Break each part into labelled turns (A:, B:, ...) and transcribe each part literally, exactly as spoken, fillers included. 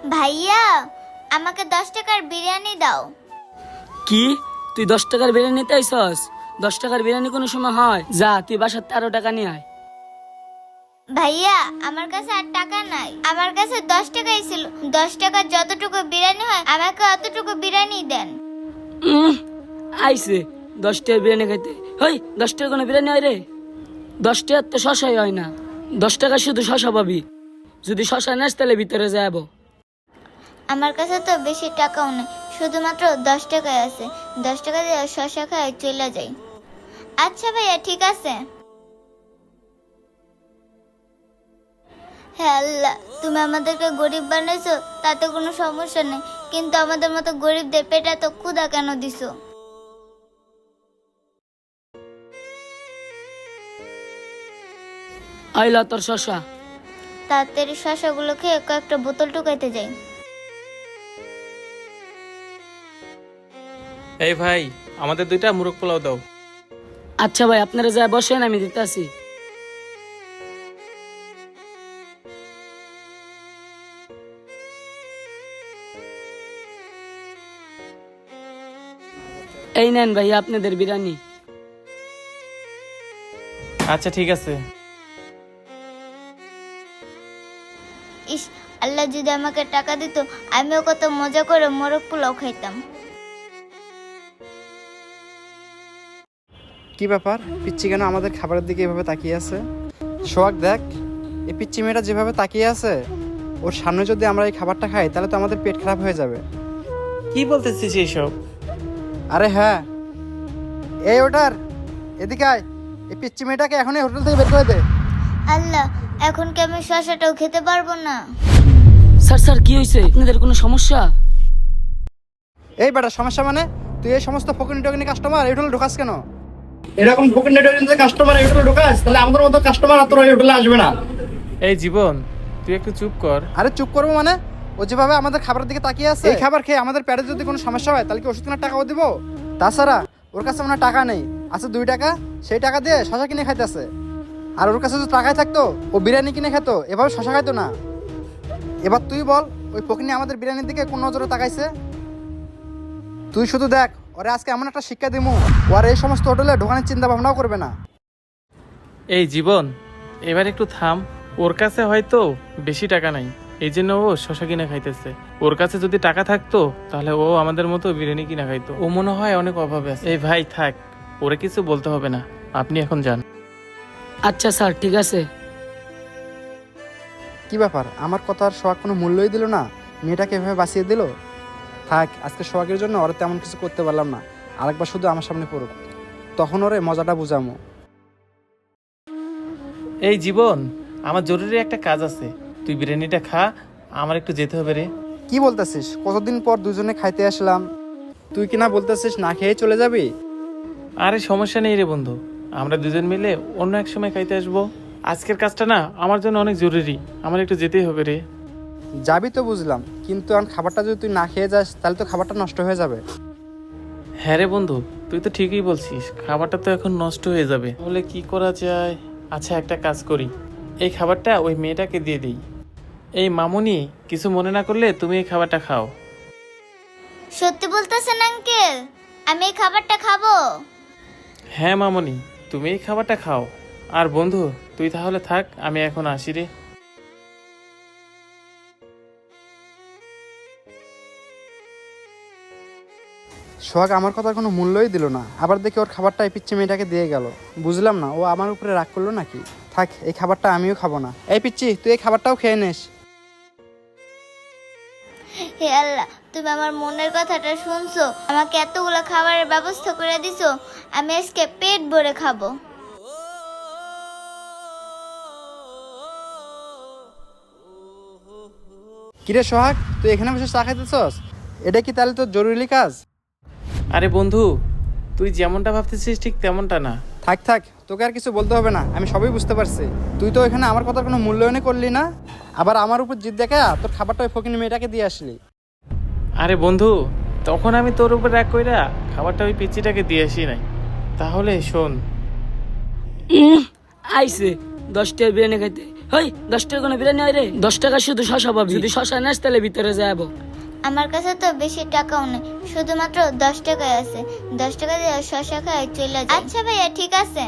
A: ভাইয়া, আমাকে দশ টাকার বিরিয়ানি দাও।
B: কি তুই দশ টাকার বিরিয়ানি নিতে আইসস? দশ টাকার বিরিয়ানি কোনো সময় হয়? যা তুই বাসার তেরো টাকা নিয়ে আয়।
A: ভাইয়া, আমার কাছে আর টাকা নাই, আমার কাছে দশ টাকাই ছিল। দশ টাকার যতটুকু বিরিয়ানি হয় আমাকে অতটুকু বিরিয়ানি দেন।
B: উম, আইসে দশ টাকার বিরিয়ানি খাইতে। হই, দশ টাকার কোনো বিরিয়ানি হয় রে? দশ টাকার তো শশাই হয় না। দশ টাকা শুধু শশা পাবি। যদি শশা নেস তাহলে ভিতরে যাবো।
A: আমার কাছে তো বেশি টাকাও নেই, শুধুমাত্র দশ টাকাই আছে। দশ টাকা দিয়ে শসা খাই চলে যাই। আচ্ছা ভাইয়া, ঠিক আছে। হ্যাঁ আল্লাহ, তুমি আমাদেরকে গরিব বানাইছো তাতে কোনো সমস্যা নেই, কিন্তু আমাদের মতো গরিবদের পেটে তো ক্ষুধা কেন দিছো?
B: আইলা তোর শশা।
A: তাড়াতাড়ি শসাগুলো খেয়ে কয়েকটা বোতল টুকাইতে যাই।
C: এই ভাই, আমাদের দুইটা মুরগ পোলাও দাও।
B: আচ্ছা ভাই, আপনারা যা বসেন, আমি দিতে আসি। এই নেন ভাই আপনাদের বিরিয়ানি।
C: আচ্ছা ঠিক আছে।
A: ইস, আল্লাহ যদি আমাকে টাকা দিত, আমিও কত মজা করে মোরগ পোলাও খাইতাম।
D: কি ব্যাপার, পিচ্ছি কেন আমাদের খাবারের দিকে এভাবে তাকিয়ে আছে? সোহাগ দেখ, এই পিচ্ছি মেয়েটা যেভাবে তাকিয়ে আছে, ওর সামনে যদি আমরা এই খাবারটা খাই তাহলে তো আমাদের পেট খারাপ হয়ে যাবে।
C: কি বলতেছিস এইসব?
D: আরে হ্যাঁ, এই ওটার এদিকে আয়, এই পিচ্ছি মেয়েটাকে এখনই হোটেল থেকে বের করে দে।
A: আল্লাহ, এখন কি আমি শসাটাও খেতে পারবো না?
B: স্যার স্যার কি হয়েছে? আপনাদের কোনো সমস্যা?
D: এই বেটা, সমস্যা মানে? তুই এই সমস্ত ফকিনি টকিনি কাস্টমার এই হোটেলে ঢোকাস কেন? এরকম ফকিনি টকিনি কাস্টমার এই হোটেলে ঢোকাস, তাহলে আমাদের মতো কাস্টমার আর তোর এই হোটেলে আসবে না।
C: এই জীবন, তুই একটু চুপ কর।
D: আরে চুপ করবো মানে? ও যেভাবে আমাদের খাবারের দিকে তাকিয়ে আছে, এই খাবার খেয়ে আমাদের পেটে যদি কোনো সমস্যা হয় তাহলে কি ওষুধ কেনার টাকাও দিব? তাছাড়া ওর কাছে মনে হয় টাকা নেই, আছে দুই টাকা, সেই টাকা দিয়ে শশা কিনে খাইতেছে। আর ওর কাছে যদি টাকাই থাকতো ও বিরিয়ানি কিনে খেতো, এভাবে শশা খাইতো না। এবার তুই বল, ওই ফকিনি আমাদের বিরিয়ানির দিকে কোন নজরে তাকাইছে? তুই শুধু দেখ, ওরে আজকে এমন একটা শিক্ষা দিমু, ও আর এই সমস্ত হোটেলে ঢোকানোর চিন্তা ভাবনাও করবে না।
C: এই জীবন, এবার একটু থাম। ওর কাছে হয়তো বেশি টাকা নাই, এই জন্য ও শশা কিনে খাইতেছে। ওর কাছে যদি টাকা থাকতো তাহলে ও আমাদের মতো বিরিয়ানি কিনা খাইতো। ও মনে হয় অনেক অভাবে আছে। এই ভাই থাক, ওরে কিছু বলতে হবে না, আপনি এখন যান।
B: আচ্ছা স্যার, ঠিক আছে।
D: কি ব্যাপার, আমার কথার সোহাগ কোনো মূল্যই দিল না, মেয়েটাকে এভাবে বাঁচিয়ে দিল। থাক, আজকে সোহাগের জন্য ওরা তেমন কিছু করতে পারলাম না, আরেকবার শুধু আমার সামনে পড়ুক, তখন ওরে মজাটা বুঝামো।
C: এই জীবন, আমার জরুরি একটা কাজ আছে, তুই বিরিয়ানিটা খা, আমার একটু যেতে হবে রে।
D: কি বলতেছিস? কতদিন পর দুজনে খাইতে আসলাম, তুই কিনা বলতেছিস না খেয়ে চলে যাবি?
C: আরে সমস্যা নেই রে বন্ধু, আমরা দুজন মিলে অন্য এক সময় খাইতে আসবো। আজকের কাজটা না আমার জন্য অনেক জরুরি, আমার একটু যেতেই হবে রে।
D: যাবি তো বুঝলাম, কিন্তু এখন খাবারটা যদি তুই না খেয়ে যাস তাহলে তো খাবারটা নষ্ট হয়ে যাবে।
C: হ্যাঁ রে বন্ধু, তুই তো ঠিকই বলছিস, খাবারটা তো এখন নষ্ট হয়ে যাবে। তাহলে কি করা যায়? আচ্ছা একটা কাজ করি, এই খাবারটা ওই মেয়েটাকে দিয়ে দিই। এই মামুনি, কিছু মনে না করলে তুমি এই খাবারটা খাও।
A: সত্যি বলতেছেন আঙ্কেল? আমি এই খাবারটা খাবো?
C: হ্যাঁ মামুনি, তুমি এই খাবারটা খাও। আর বন্ধু, তুই তাহলে থাক, আমি এখন আসি রে।
D: সোহাগ আমার কথার কোনো মূল্যই দিল না, আবার দেখি ওর খাবারটা এই পিচ্ছি মেয়েটাকে দিয়ে গেল। বুঝলাম না, ও আমার উপরে রাগ করলো নাকি? থাক, এই খাবারটা আমিও খাবো না। এই পিচ্ছি, তুই এই খাবারটাও খেয়ে নিস।
A: হে আল্লাহ, তুমি আমার মনের কথাটা শুনছো, আমাকে এতগুলো খাবারের ব্যবস্থা করে দিছো, আমি আজকে পেট ভরে খাবো।
D: কিরে সোহাগ, তুই এখানে বসে চা খাইতেছস? এটা কি তাহলে তোর জরুরি কাজ?
C: আরে বন্ধু, তুই যেমনটা ভাবতেছিস ঠিক তেমনটা না।
D: থাক থাক, তোকে আর কিছু বলতে হবে না, আমি সবই বুঝতে পারছি। তুই তো এখানে আমার কথার কোনো মূল্যায়নই করলি না, আবার আমার উপর জিদ দেখা তোর খাবারটা ওই ফকিনি মেয়েটাকে দিয়ে আসলি।
C: আরে বন্ধু, তখন আমি তোর উপর রাগ কইরা খাবারটা ওই পিচ্চিটাকে দিয়ে আসি নাই। তাহলে শোন,
B: উম, আইসে দশ টাকার বিরিয়ানি খাইতে। হই দশ টাকা কোনো বিরিয়ানি হয় রে? দশ টাকা শুধু শশা পাবি, যদি শশা নেস তাহলে ভিতরে যাবো।
A: আমার কাছে তো বেশি টাকাও নেই, শুধুমাত্র দশ টাকায় আছে। দশ টাকা দিয়ে শশা খাই চলে যাই। আচ্ছা ভাইয়া, ঠিক আছে।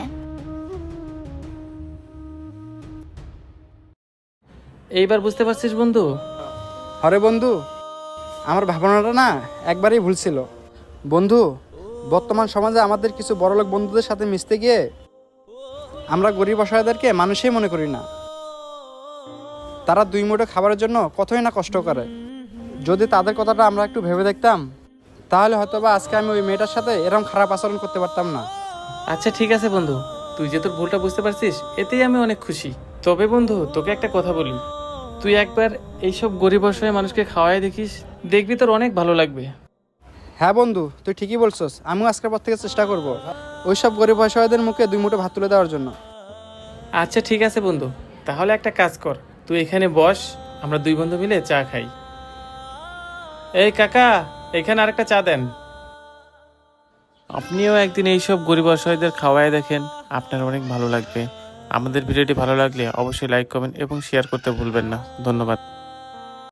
C: এইবার বুঝতে পারছিস বন্ধু?
D: আরে বন্ধু, আমার ভাবনাটা না একবারই ভুল ছিল। বন্ধু, বর্তমান সমাজে আমাদের কিছু বড়লোক বন্ধুদের সাথে মিশতে গিয়ে আমরা গরিব অসহায়দেরকে মানুষই মনে করি না। তারা দুই মুঠো খাবারের জন্য কতই না কষ্ট করে। যদি তাদের কথাটা আমরা একটু ভেবে দেখতাম, তাহলে হয়তো বা আজকে আমি ওই মেয়েটার সাথে এরকম খারাপ আচরণ করতে পারতাম না।
C: আচ্ছা ঠিক আছে বন্ধু, তুই যে তোর ভুলটা বুঝতে পারছিস এতেই আমি অনেক খুশি। তবে বন্ধু, তোকে একটা কথা বলি, তুই একবার এইসব গরিব অসহায় মানুষকে খাওয়াই দেখিস, দেখবি তোর অনেক ভালো লাগবে।
D: হ্যাঁ বন্ধু, তুই ঠিকই বলছস। আমিও আজকের পর থেকে চেষ্টা করব ওই সব গরিব অসহায়দের মুখে দুই মুঠো ভাত তুলে দেওয়ার জন্য।
C: আচ্ছা ঠিক আছে বন্ধু, তাহলে একটা কাজ কর, তুই এখানে বস, আমরা দুই বন্ধু মিলে চা খাই। এই কাকা, এখানে আরেকটা চা দেন। আপনিও একদিন এইসব গরিব অসহায়দের খাওয়ায় দেখেন, আপনার অনেক ভালো লাগবে। আমাদের ভিডিওটি ভালো লাগলে অবশ্যই লাইক কমেন্ট এবং শেয়ার করতে ভুলবেন না। ধন্যবাদ।